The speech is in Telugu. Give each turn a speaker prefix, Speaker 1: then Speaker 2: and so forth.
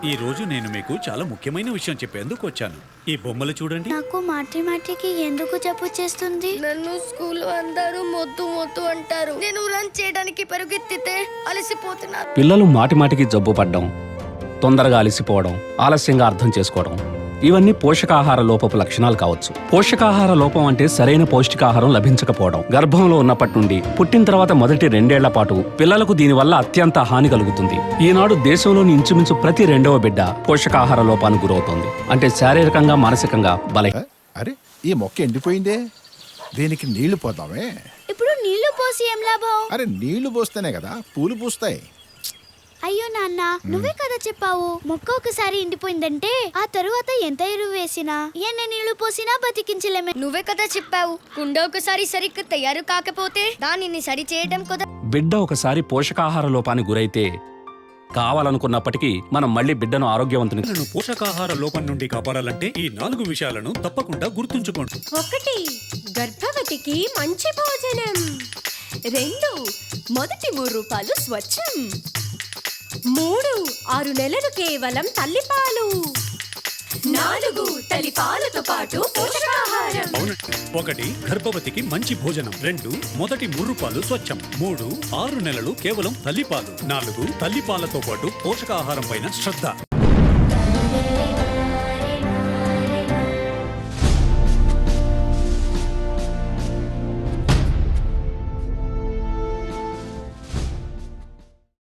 Speaker 1: ఈ రోజు నేను మీకు చాలా ముఖ్యమైన విషయం చెప్పేందుకు వచ్చాను. ఈ బొమ్మలు చూడండి.
Speaker 2: నాకు మాటిమాటికి ఎందుకు జబ్బు చేస్తుంది?
Speaker 3: నన్ను స్కూల్ అందరూ మొద్దు మొద్దు అంటారు. నేను రన్ చేయడానికి పరిగెత్తితే అలసిపోతున్నారు.
Speaker 4: పిల్లలు మాటిమాటికి జబ్బు పడ్డం, తొందరగా అలసిపోవడం, ఆలస్యంగా అర్థం చేసుకోవడం ఇవన్నీ పోషకాహార లోపపు లక్షణాలు కావచ్చు. పోషకాహార లోపం అంటే సరైన పౌష్టికాహారం లభించకపోవడం. గర్భంలో ఉన్నప్పటి నుండి పుట్టిన తర్వాత మొదటి 2 ఏళ్ల పాటు పిల్లలకు దీనివల్ల అత్యంత హాని కలుగుతుంది. ఈనాడు దేశంలోని ఇంచుమించు ప్రతి 2వ బిడ్డ పోషకాహార లోపానికి గురవుతోంది. అంటే శారీరకంగా, మానసికంగా
Speaker 5: అరే, ఈ మొక్క ఎండిపోయిందే, దీనికి నీళ్లు పోద్దామే.
Speaker 2: ఇప్పుడు నీళ్లు పోసి ఏం లాభం?
Speaker 5: అరే, నీళ్లు పోస్తేనే కదా పూలు పూస్తాయి.
Speaker 2: అయ్యో నాన్న, నువ్వే కదా చెప్పావు మొక్క ఒకసారి ఎండిపోయిందంటే ఆ తరువాత ఎంత ఎరువు వేసినా ఎన్ని నీళ్లు పోసినా బతికించలేమే.
Speaker 3: నువ్వే కదా చెప్పావు, కుండ ఒకసారి సరిగ్గా తయారు కాకపోతే దానిని సరి చేయడం కదా.
Speaker 4: బిడ్డ ఒకసారి పోషకాహార లోపానికి గురైతే కావాలనుకున్నప్పటికీ మనం మళ్ళీ బిడ్డను ఆరోగ్యవంతుని
Speaker 1: పోషకాహార లోపం నుండి కాపాడాలంటే ఈ 4 విషయాలను తప్పకుండా గుర్తుంచుకోండి.
Speaker 6: 1. గర్భవతికి మంచి భోజనం. 2. మొదటి 3 రూపాయలు స్వచ్ఛం. 3. 6 నెలలు కేవలం తల్లిపాలు. 4. తల్లిపాలతో పాటు పోషకాహారం.
Speaker 1: 1. గర్భవతికి మంచి భోజనం. 2. మొదటి 3 పాలు స్వచ్ఛం. 3. 6 నెలలు కేవలం తల్లిపాలు. 4. తల్లిపాలతో పాటు పోషకాహారం పైన శ్రద్ధ.